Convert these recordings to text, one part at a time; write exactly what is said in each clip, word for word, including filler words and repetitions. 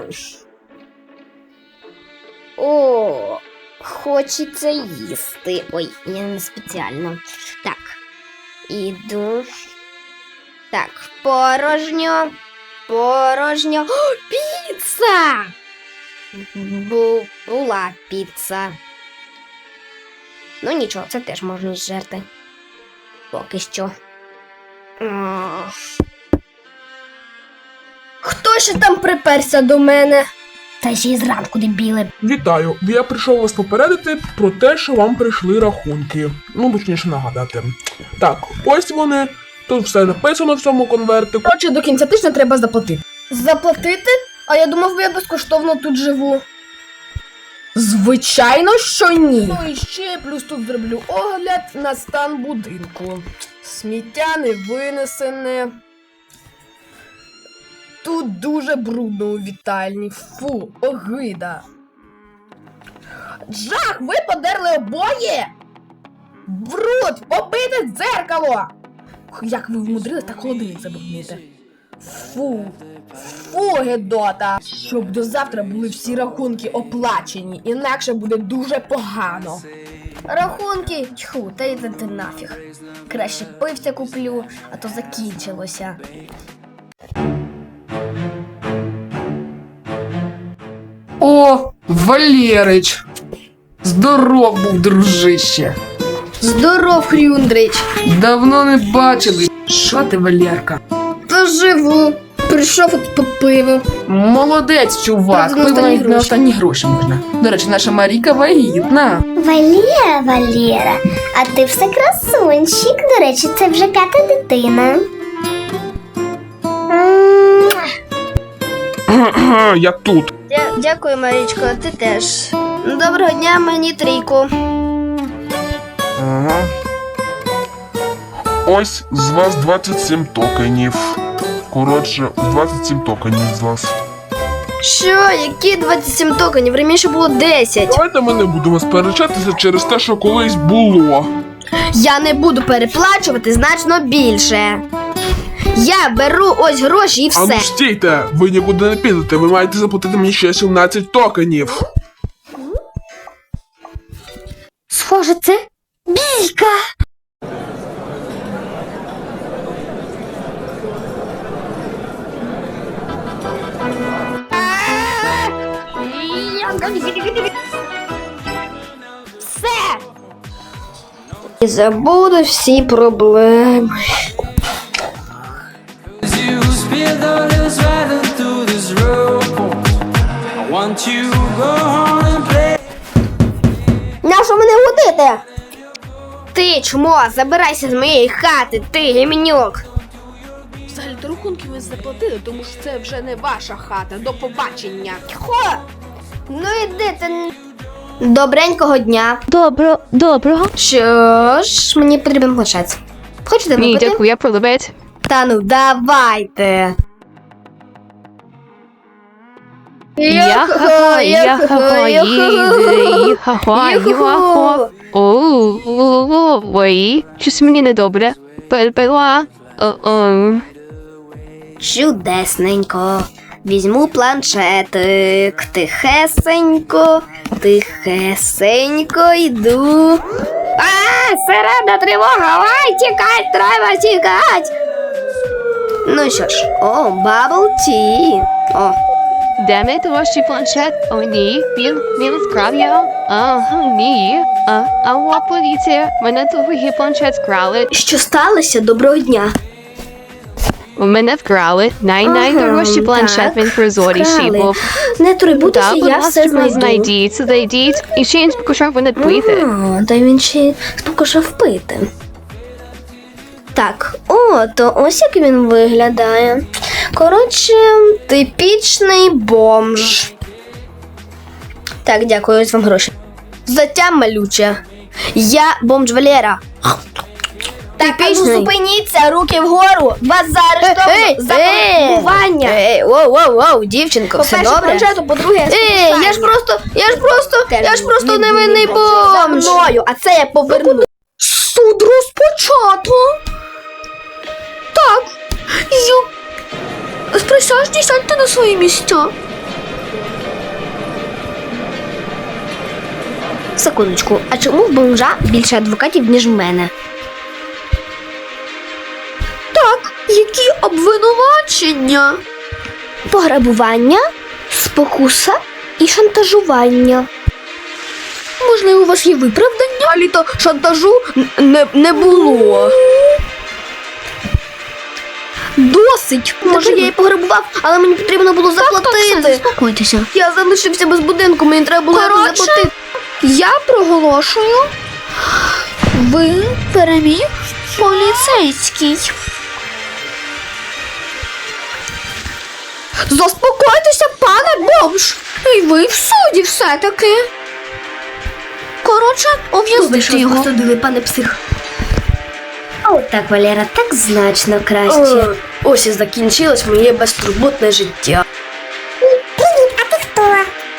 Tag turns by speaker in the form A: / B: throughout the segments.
A: О, хочеться їсти. Ой, я не спеціально. Так, іду. Так, порожньо. Порожньо. О, піца! Бу була піца. Ну нічого, це теж можна зжерти. Поки що. Хто ще там приперся до мене? Та ще й зранку, дебіли.
B: Вітаю! Я прийшов вас попередити про те, що вам прийшли рахунки. Ну, точніше нагадати. Так, ось вони. Тут все написано в цьому конвертику.
C: Коротше, до кінця тижня треба заплатити. Заплатити? А я думав, я безкоштовно тут живу. Звичайно, що ні. Ну і ще плюс тут зроблю огляд на стан будинку. Сміття не винесене. Тут дуже брудно у вітальні. Фу, огида. Жах, ви подерли обоє? Бруд, побите дзеркало! Як ви вмудрились так холодильник забруднити? Фу, фу, гедота! Щоб до завтра були всі рахунки оплачені, інакше буде дуже погано.
A: Рахунки? Тьху, та йди ти нафіг. Краще пивця куплю, а то закінчилося.
D: О, Валерич! Здоров був, дружище!
A: Здоров, Хрюндрич!
D: Давно не бачили. Що ти, Валерка?
A: Та живу. Прийшов от по пиву.
D: Молодець, чувак.
A: Правда, на
D: Пиво
A: останні
D: навіть на
A: гроші.
D: останні гроші можна. До речі, наша Маріка вагітна.
E: Валера, Валера, а ти все красунчик. До речі, це вже п'ята дитина. М.
B: Я тут.
A: Дя дякую, Марічко, ти теж. Доброго дня, мені трійку.
B: Ага. Ось з вас двадцять сім токенів. Коротше, двадцять сім токенів з вас.
A: Що? Які двадцять сім токенів? Раніше було десять.
B: Давайте ми не будемо сперечатися через те, що колись було.
A: Я не буду переплачувати значно більше. Я беру ось гроші і
B: А
A: все.
B: ну стійте, ви нікуди не підете, ви маєте заплатити мені ще сімнадцять токенів.
A: Схоже, це бійка. Все. І забуду всі проблеми.
F: You spilled all this riding through this road. I want you to go home and play.
A: Нащо мене гудити? Ти, чмо, забирайся з моєї хати, ти, гімнюк.
C: Взагалі-то рахунки ви заплатили, тому що це вже не ваша хата. До побачення.
A: Хо? Ну іди ти. Добренького дня.
G: Добро, доброго.
A: Що ж, мені потрібен планшет. Хочете
G: Ні,
A: випити?
G: дякую, я пролюбець.
A: Та ну, давайте.
G: Яха-ха, яха-ха, їха-ха, їха-ха. Ой, щось мені недобре. Пельпела. О-о.
A: Чудесненько. Візьму планшетик. Тихесенько, тихесенько йду. А, середна тривога, ай, тікать, треба тікать. Ну що ж, о, бабл ті. О,
G: Де мій творчий планшет? О, ні, він, він вкрав його. А, ні. А, алло, поліція, мене твій планшет вкрали.
A: що сталося? Доброго дня.
G: Мене вкрали. Най-найдорожчий
A: Ага,
G: планшет,
A: так,
G: він прозоріший
A: вкрали.
G: був.
A: Не турбуйтеся,
G: Так, будь
A: я все
G: ласка,
A: знайду.
G: знайдіть, знайдіть. І ще він спокушав мене пити.
A: А, та він ще спокушав пити. Так, о, то ось як він виглядає. Коротше, типічний бомж. Так, дякую, ось вам гроші. Затям малюче. Я бомж Валера. Так, а ну зупиніться, руки вгору. Вас заарештовано за пограбування. Ей, воу, воу, воу, дівчинко, все добре?
C: По-перше, планшету, по-друге,
A: Ей, я ж просто, я ж просто, я ж просто невинний бомж. За мною, а це я поверну. Суд розпочато. Так, я... Присаджуйте, сядьте на свої місця. Секундочку, а чому в бомжа більше адвокатів, ніж в мене? Так, які обвинувачення? Пограбування, спокуса і шантажування. Можливо, у вас є виправдання? А літо шантажу не, не було. Досить! Може, я її пограбував, але мені потрібно було заплатити. Заспокойтеся. Я залишився без будинку, мені треба було якось заплатити. Я проголошую. Ви переміг поліцейський. Заспокойтеся, пане бомж! І ви в суді все-таки. Коротше, ув'язнити його. Судили, пане псих. О, так, Валера, так значно краще. О, ось і закінчилось моє безтурботне життя.
E: Привіт, а ти хто?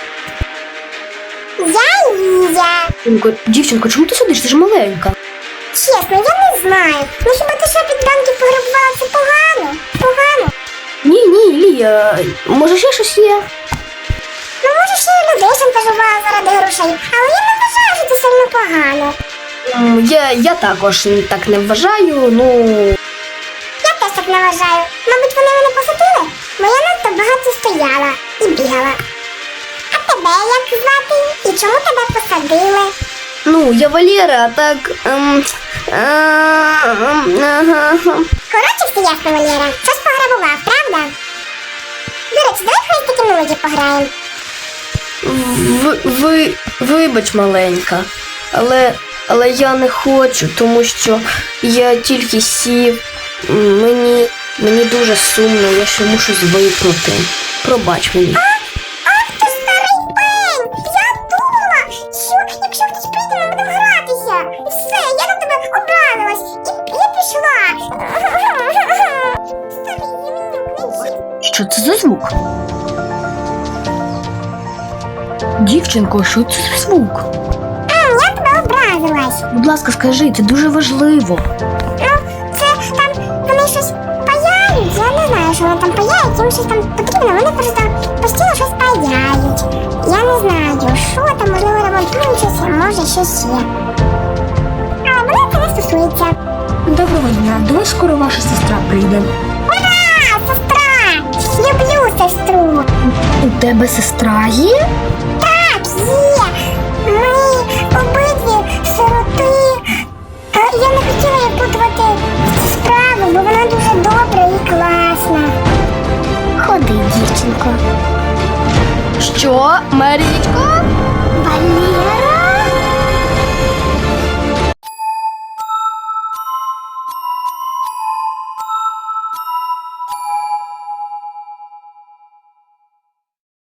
E: Я Ліза.
A: Дівчинко, дівчинко, чому ти сидиш? Ти ж маленька.
E: Чесно, я не знаю. Ну хіба ти що під банки пограбувала? Це погано? Погано?
A: Ні, ні, Лія, може ще щось є?
E: Ну може ще й людей шантажувала заради грошей, але я не вважаю, що це сильно погано.
A: М, Я, я також так не вважаю, ну...
E: Я теж так не вважаю. Мабуть, вони мене посадили, бо я надто багато стояла і бігала. А тебе як звати? І чому тебе посадили?
A: Ну, я Валера, а так... Ем, е, ем, ага.
E: Коротше, все ясно, Валера. Щось пограбував, правда? До речі, давай в хрестики мелоді пограємо.
A: Ви, ви, вибач, маленька, але, але я не хочу, тому що я тільки сів. М, Мені, мені дуже сумно, я ще мушу звикнути. Пробач мені.
E: Ах ти старий пень! Я думала, що якщо хтось прийде, ми будемо гратися. І все, я на тебе образилась. І я пішла. Старий євнюк, не чіп.
A: Що це за звук? Дівчинко, що це за звук?
E: А, я тебе образилась.
A: Будь ласка, скажи, це дуже важливо.
E: Ну, це там вони щось паяють. Я не знаю, що вони там паяють, їм щось там потрібно, вони просто постійно щось паяють. Я не знаю, що там, можливо, ремонтують щось, а може щось є. А мене це не стосується.
A: Доброго дня, до вас скоро ваша сестра прийде.
E: Ура! Сестра! Люблю сестру!
A: У тебе сестра є?
E: Так, є! Ми обидві сироти. А я не хотіла її путувати в цю справу, бо вона дуже добра і класна. Ходи, дівчинко.
A: Що, Марічко?
E: Валера?